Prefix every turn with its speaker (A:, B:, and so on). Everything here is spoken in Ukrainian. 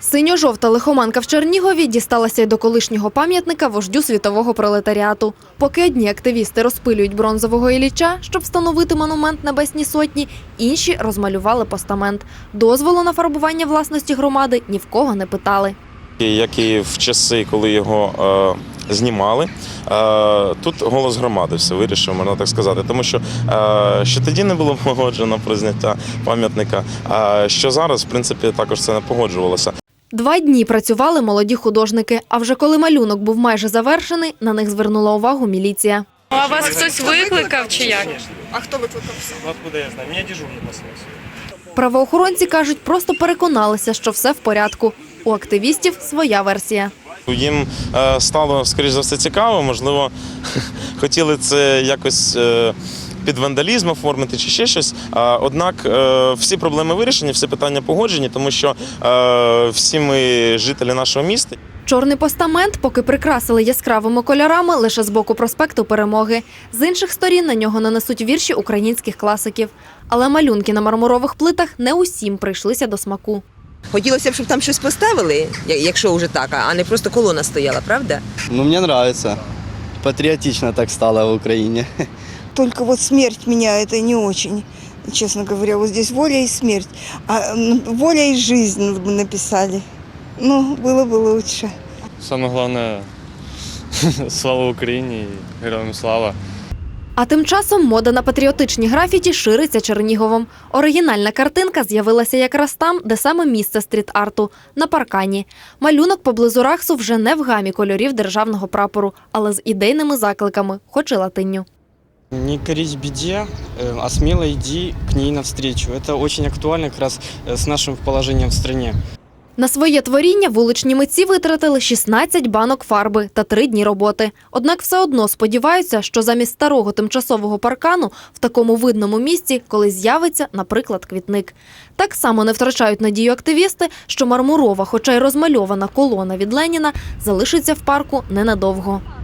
A: Синьо-жовта лихоманка в Чернігові дісталася й до колишнього пам'ятника вождю світового пролетаріату. Поки одні активісти розпилюють бронзового Ілліча, щоб встановити монумент Небесній Сотні, інші розмалювали постамент. Дозволу на фарбування власності громади ні в кого не питали.
B: Як і в часи, коли його знімали, тут голос громади все вирішив, можна так сказати. Тому що ще тоді не було погоджено про зняття пам'ятника, а що зараз, в принципі, також це не погоджувалося.
A: 2 дні працювали молоді художники, а вже коли малюнок був майже завершений, на них звернула увагу міліція.
C: А вас хтось викликав чи як?
D: А хто викликав?
E: Откуда я знаю? Меня дежурный послал.
A: Правоохоронці кажуть, просто переконалися, що все в порядку. У активістів своя версія.
B: Їм стало, скоріш за все, цікаво, можливо, хотіли це якось під вандалізм оформити чи ще щось. Однак всі проблеми вирішені, всі питання погоджені, тому що всі ми жителі нашого міста.
A: Чорний постамент поки прикрасили яскравими кольорами лише з боку проспекту Перемоги. З інших сторін на нього нанесуть вірші українських класиків. Але малюнки на мармурових плитах не усім прийшлися до смаку.
D: Хотілося б, щоб там щось поставили, якщо вже так, а не просто колона стояла, правда?
F: Ну, мне нравится. Патриотично так стало в Украине.
G: Только вот смерть меня это не очень, честно говоря. Вот здесь воля и смерть. А воля и жизнь мы написали. Ну, было бы лучше.
E: Самое главное, слава Украине и героям слава.
A: А тим часом мода на патріотичні графіті шириться Черніговом. Оригінальна картинка з'явилася якраз там, де саме місце стріт-арту – на паркані. Малюнок поблизу Рахсу вже не в гамі кольорів державного прапору, але з ідейними закликами, хоч і латинню.
H: Не корись беде, а смело иди к ней навстречу. Это очень актуально как раз с нашим положением в стране.
A: На своє творіння вуличні митці витратили 16 банок фарби та 3 дні роботи. Однак все одно сподіваються, що замість старого тимчасового паркану в такому видному місці колись з'явиться, наприклад, квітник. Так само не втрачають надію активісти, що мармурова, хоча й розмальована колона від Леніна залишиться в парку ненадовго.